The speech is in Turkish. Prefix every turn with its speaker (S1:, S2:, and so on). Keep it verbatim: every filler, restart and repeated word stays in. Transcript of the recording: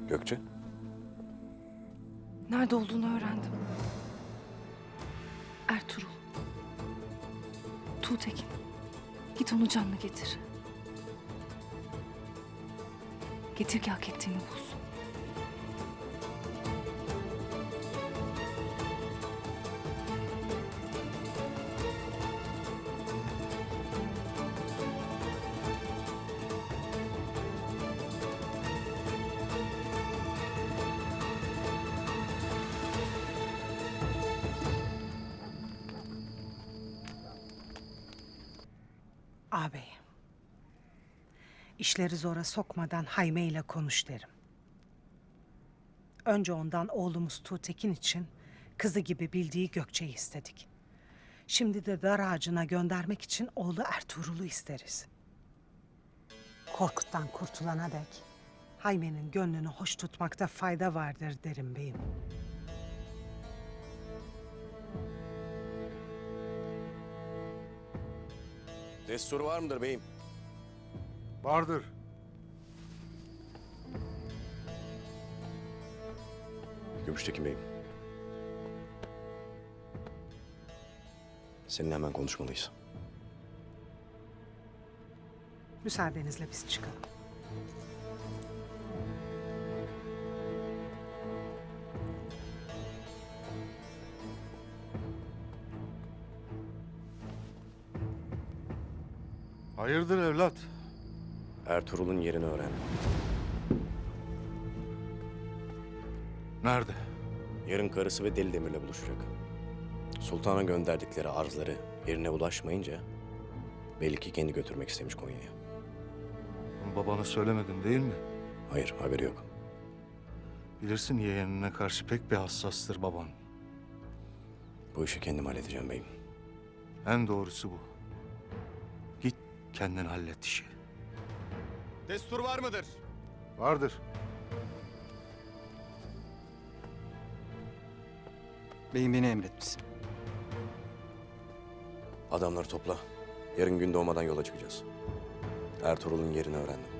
S1: Gökçe?
S2: Nerede olduğunu öğrendim. Ertuğrul. Tuğtekin. Git onu canlı getir. Getir ki hak ettiğini bulsun.
S3: Ağabey, işleri zora sokmadan Hayme ile konuş derim. Önce ondan oğlumuz Tuğtekin için kızı gibi bildiği Gökçe'yi istedik. Şimdi de dar ağacına göndermek için oğlu Ertuğrul'u isteriz. Korkut'tan kurtulana dek Hayme'nin gönlünü hoş tutmakta fayda vardır derim beyim.
S1: Destur var mıdır beyim?
S4: Vardır.
S1: Gümüştekin beyim. Seninle hemen konuşmalıyız.
S3: Müsaadenizle biz çıkalım.
S4: Hayırdır evlat?
S1: Ertuğrul'un yerini öğrendim.
S4: Nerede?
S1: Yarın karısı ve Deli Demir'le buluşacak. Sultan'a gönderdikleri arzları yerine ulaşmayınca belli ki kendi götürmek istemiş Konya'ya.
S4: Babana söylemedin değil mi?
S1: Hayır, haberi yok.
S4: Bilirsin yeğenine karşı pek bir hassastır baban.
S1: Bu işi kendim halledeceğim beyim.
S4: En doğrusu bu. Git kendin hallet işi.
S5: Destur var mıdır?
S4: Vardır.
S6: Beyim beni emretmişsin.
S1: Adamları topla. Yarın gün doğmadan yola çıkacağız. Ertuğrul'un yerini öğrendim.